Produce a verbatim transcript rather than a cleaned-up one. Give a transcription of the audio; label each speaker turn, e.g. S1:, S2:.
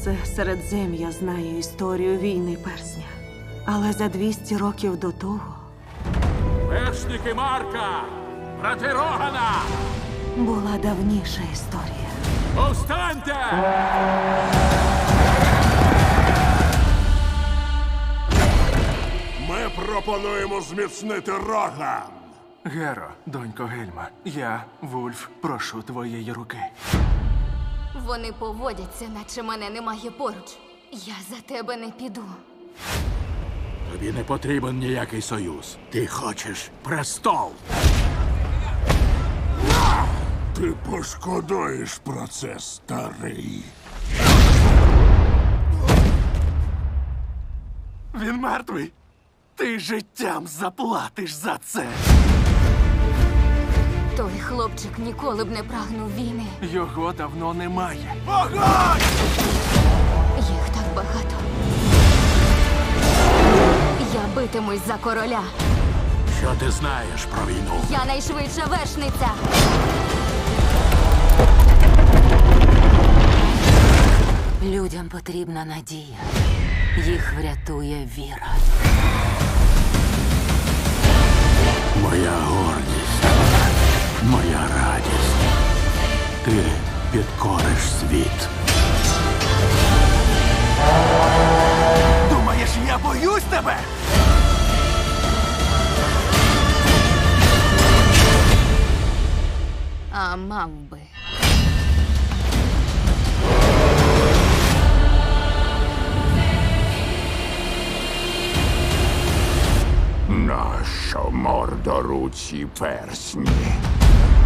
S1: Все Середзем'я знає історію війни персня. Але за двісті років до того
S2: Вершники Марка! Брати Рогана!
S1: була давніша історія.
S2: Повстаньте!
S3: Ми пропонуємо зміцнити Роган.
S4: Геро, донько Гельма, я, Вульф, прошу твоєї руки.
S5: Вони поводяться, наче мене немає поруч. Я за тебе не піду.
S2: Тобі не потрібен ніякий союз. Ти хочеш престол.
S3: Ти пошкодуєш про це, старий.
S4: Він мертвий. Ти життям заплатиш за це.
S5: Той хлопчик ніколи б не прагнув війни.
S4: Його давно немає.
S3: Огонь!
S5: Їх так багато. Я битимусь за короля.
S2: Що ти знаєш про війну?
S5: Я найшвидша вершниця.
S6: Людям потрібна надія. Їх врятує віра.
S2: Моя гордість, моя радість. Ти підкориш світ.
S4: Думаєш, я боюсь тебе?
S5: А мав би.
S3: Нащо мордоруці персні?